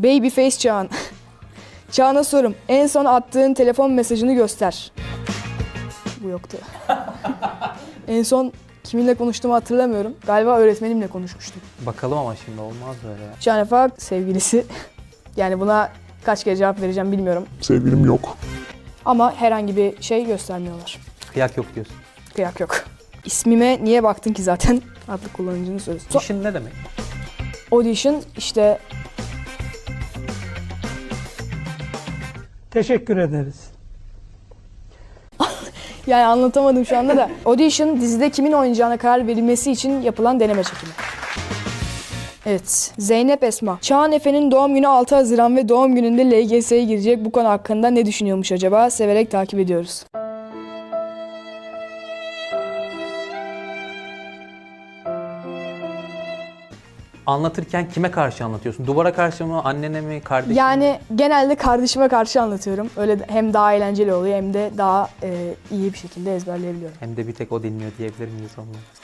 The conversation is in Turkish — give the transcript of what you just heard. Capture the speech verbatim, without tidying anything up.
Babyface Çağan. Çağan'a sorum. En son attığın telefon mesajını göster. Bu yoktu. En son kiminle konuştuğumu hatırlamıyorum. Galiba öğretmenimle konuşmuştum. Bakalım ama şimdi olmaz böyle ya. Şanefak sevgilisi. Yani buna kaç kere cevap vereceğim bilmiyorum. Sevgilim yok. Ama herhangi bir şey göstermiyorlar. Kıyak yok diyorsun. Kıyak yok. İsmime niye baktın ki zaten? Adlı kullanıcının sözü. So- İşin ne demek? Audition işte Teşekkür ederiz. yani anlatamadım şu anda da. Audition dizide kimin oynayacağına karar verilmesi için yapılan deneme çekimi. Evet. Zeynep Esma. Çağan Efe'nin doğum günü altı Haziran ve doğum gününde L G S'ye girecek. Bu konu hakkında ne düşünüyormuş acaba? Severek takip ediyoruz. Anlatırken kime karşı anlatıyorsun? Duvara karşı mı, annene mi, kardeşine mi? Yani genelde kardeşime karşı anlatıyorum. Öyle de- hem daha eğlenceli oluyor hem de daha e, iyi bir şekilde ezberleyebiliyorum. Hem de bir tek o dinliyor diyebilir miyiz onunla?